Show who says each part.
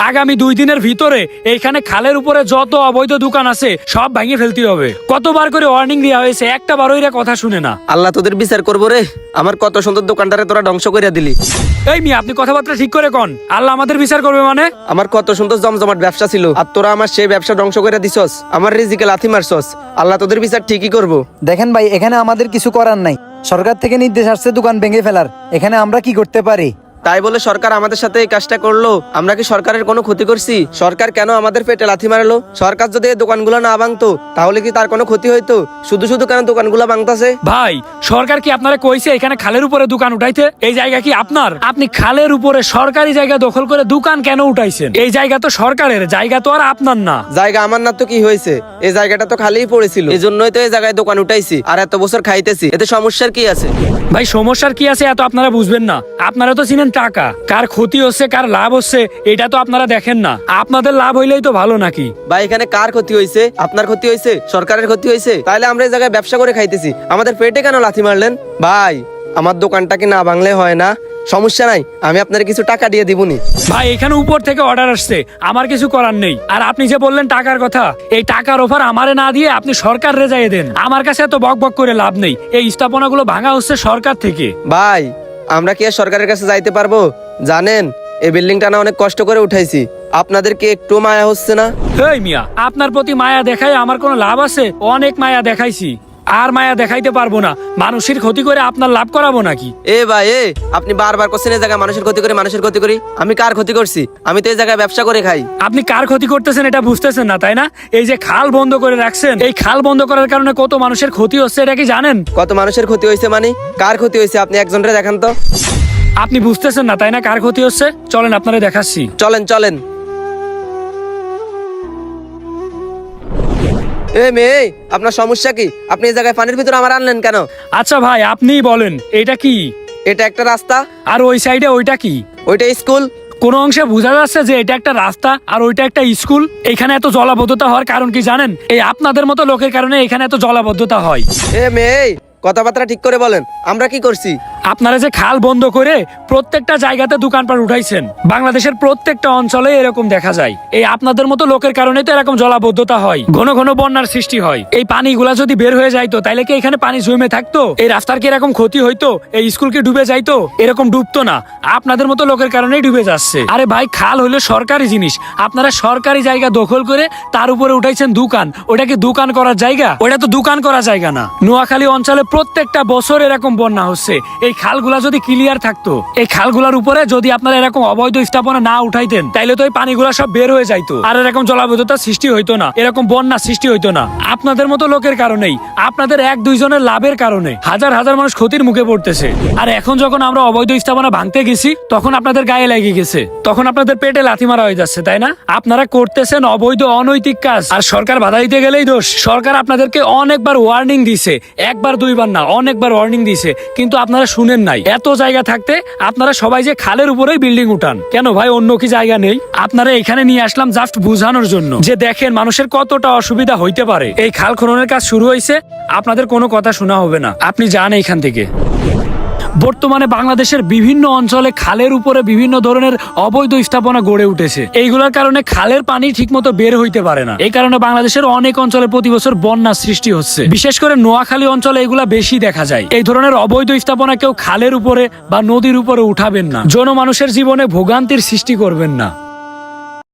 Speaker 1: আগামী 2 দিনের ভিতরে এইখানে খালের উপরে যত অবৈধ দোকান আছে সব ভেঙে ফেলতে হবে। কতবার করে ওয়ার্নিং দেওয়া হয়েছে, একটা বারও এরা কথা শুনে না।
Speaker 2: আল্লাহ তোদের বিচার করবো রে। আমার কত সুন্দর দোকানটারে তোরা ধ্বংস করে দিলি।
Speaker 1: এই মিয়া, আপনি কথাবার্তা ঠিক করে কন। আল্লাহ আমাদের বিচার করবে মানে?
Speaker 2: আমার কত সুন্দর জমজমাট ব্যবসা ছিল, আর তোরা আমার সেই ব্যবসা ধ্বংস করে দিছস, আমার রিজিকে লাথি মারছস। আল্লাহ তোদের বিচার ঠিকই করবো।
Speaker 3: দেখেন ভাই, এখানে আমাদের কিছু করার নাই। সরকার থেকে নির্দেশ আসছে দোকান ভেঙে ফেলার। এখানে আমরা কি করতে পারি?
Speaker 2: তাই বলে সরকার আমাদের সাথে এই কাজটা করলো? আমরা কি সরকারের কোনো ক্ষতি করছি? সরকার কেন আমাদের পেটে লাথি মারলো? সরকার যদি এই দোকানগুলো না ভাঙতো তাহলে কি তার কোনো ক্ষতি হইতো? শুধু শুধু কেন দোকানগুলো ভাঙতাছে?
Speaker 1: ভাই, সরকার কি আপনারা কইছে এখানে খালের উপরে দোকান উঠাইতে? এই জায়গা কি আপনার? আপনি খালের উপরে সরকারি জায়গা দখল করে দোকান কেন উঠাইছেন? এই জায়গা তো সরকারের জায়গা, তো আর আপনার না।
Speaker 2: জায়গা আমার না তো কি হয়েছে? এই জায়গাটা তো খালিই পড়েছিল, এই জন্যই তো এই জায়গায় দোকান উঠাইছি আর এত বছর খাইতেছি। এতে সমস্যার কি আছে?
Speaker 1: ভাই, সমস্যার কি আছে এত আপনারা বুঝবেন না। আপনারা তো চিনেন টাকা, কার ক্ষতি হচ্ছে কার লাভ হচ্ছে এটা তো আপনারা দেখেন না। আপনাদের লাভ হইলেই তো ভালো নাকি?
Speaker 2: ভাই, এখানে কার ক্ষতি হয়েছে? আপনার ক্ষতি হয়েছে? সরকারের ক্ষতি হয়েছে? তাহলে আমরা এই জায়গায় ব্যবসা করে খাইতেছি, আমাদের পেটে কেন লাথি মারলেন? ভাই, আমার দোকানটা কি না ভাঙলে হয় না? সমস্যা নাই, আমি আপনার কিছু টাকা দিয়ে দিবনি।
Speaker 1: ভাই, এখানে উপর থেকে অর্ডার আসছে, আমার কিছু করার নেই। আর আপনি যে বললেন টাকার কথা, এই টাকার অফার আমারে না দিয়ে আপনি সরকার রেজাইয়ে দেন। আমার কাছে এত বক বক করে লাভ নেই। এই স্থাপনাগুলো ভাঙা হচ্ছে সরকার থেকে।
Speaker 2: ভাই, আমরা কি আর সরকারের কাছে যাইতে পারবো? জানেন, এই বিল্ডিংটা না অনেক কষ্ট করে উঠাইছি। আপনাদের কি একটু মায়া হচ্ছে না?
Speaker 1: হেই মিয়া, আপনার প্রতি মায়া দেখাই আমার কোনো লাভ আছে? অনেক মায়া দেখাইছি, আর মায়া দেখাইতে পারবো না। মানুষের ক্ষতি করে আপনার লাভ করাবো নাকি?
Speaker 2: এ ভাই, আপনি বারবার করছেন এই জায়গায় মানুষের ক্ষতি করি, মানুষের ক্ষতি করি। আমি কার ক্ষতি করছি? আমি তো এই জায়গায় ব্যবসা করে খাই।
Speaker 1: আপনি কার ক্ষতি করতেছেন এটা বুঝতেছেন না, তাই না? এই যে খাল বন্ধ করে রাখছেন, এই খাল বন্ধ করার কারণে কত মানুষের ক্ষতি হচ্ছে এটা কি জানেন?
Speaker 2: কত মানুষের ক্ষতি হয়েছে মানে? কার ক্ষতি হয়েছে আপনি একজনরে দেখান তো।
Speaker 1: আপনি বুঝতেছেন না তাই না কার ক্ষতি হচ্ছে? চলেন আপনারা দেখাচ্ছি।
Speaker 2: চলেন চলেন। এ মেয়ে, আপনার সমস্যা কি? আপনি এই জায়গায় পানির ভিতরে আমার আনলেন কেন?
Speaker 1: আচ্ছা ভাই, আপনিই বলেন এটা কি?
Speaker 2: এটা একটা রাস্তা।
Speaker 1: আর ওই সাইডে ওইটা কি?
Speaker 2: ওইটা স্কুল।
Speaker 1: কোন অংশে বোঝা যাচ্ছে যে এটা একটা রাস্তা আর ওইটা একটা স্কুল? এখানে এত জলাবদ্ধতা হওয়ার কারণ কি জানেন? এই আপনাদের মতো লোকের কারণে এখানে এত জলাবদ্ধতা হয়।
Speaker 2: এ মেয়ে, কথাবার্তা ঠিক করে বলেন, আমরা কি করছি?
Speaker 1: আপনারা যে খাল বন্ধ করে প্রত্যেকটা জায়গাতে দোকানপাট উঠাইছেন, বাংলাদেশের প্রত্যেকটা অঞ্চলে এরকম দেখা যায়। এই আপনাদের মতো লোকের কারণে তো এরকম জলাবদ্ধতা হয়, ঘন ঘন বন্যার সৃষ্টি হয়। এই পানিগুলা যদি বের হয়ে যাইতো তাহলে কি এখানে পানি জমে থাকতো? এই রাস্তার কি এরকম ক্ষতি হইতো? এই স্কুল কি ডুবে যাইতো? এরকম ডুবতো না, আপনাদের মতো লোকের কারণেই ডুবে যাচ্ছে। আরে ভাই, খাল হইলো সরকারি জিনিস, আপনারা সরকারি জায়গা দখল করে তার উপরে উঠাইছেন দোকান। ওটা কি দোকান করার জায়গা? ওটা তো দোকান করার জায়গা না। নোয়াখালী অঞ্চলে প্রত্যেকটা বছর এরকম বন্যা হচ্ছে। এই খালগুলা যদি ক্লিয়ার থাকতো, এই খালগুলার উপরে যদি আপনারা এরকম অবৈধ স্থাপনা না উঠাইতেন তাইলে তো এই পানিগুলা সব বের হয়ে যাইতো, আর এরকম জলাবদ্ধতা সৃষ্টি হইতো না, এরকম বন্যা সৃষ্টি হইতো না। আপনাদের মতো লোকের কারণেই, আপনাদের 1-2 জনের লাভের কারণে হাজার হাজার মানুষ ক্ষতির মুখে পড়তেছে। আর এখন যখন আমরা অবৈধ স্থাপনা ভাঙতে গেছি তখন আপনাদের গায়ে লেগে গেছে, তখন আপনাদের পেটে লাথি মারা হয়ে যাচ্ছে, তাই না? আপনারা করতেছেন অবৈধ অনৈতিক কাজ, আর সরকার বাধা দিতে গেলেই দোষ। সরকার আপনাদেরকে অনেকবার ওয়ার্নিং দিছে, 1-2 বার না, অনেকবার ওয়ার্নিং দিছে, কিন্তু আপনারা শুনেন নাই। এত জায়গা থাকতে আপনারা সবাই যে খালের উপরেই বিল্ডিং উঠান কেন ভাই? অন্য কি জায়গা নেই? আপনারা এখানে নিয়ে আসলাম জাস্ট বুঝানোর জন্য যে দেখেন মানুষের কতটা অসুবিধা হইতে পারে। এই খাল খননের কাজ শুরু হয়েছে, আপনাদের কোনো কথা শোনা হবে না, আপনি যান এখান থেকে। বর্তমানে বাংলাদেশের বিভিন্ন অঞ্চলে খালের উপরে বিভিন্ন ধরনের অবৈধ স্থাপনা গড়ে উঠেছে। এইগুলোর কারণে খালের পানি ঠিকমতো বের হইতে পারে না। এই কারণে বাংলাদেশের অনেক অঞ্চলে প্রতি বছর বন্যার সৃষ্টি হচ্ছে। বিশেষ করে নোয়াখালী অঞ্চলে এগুলা বেশি দেখা যায়। এই ধরনের অবৈধ স্থাপনা কেউ খালের উপরে বা নদীর উপরে উঠাবেন না, জনমানুষের জীবনে ভোগান্তির সৃষ্টি করবেন না।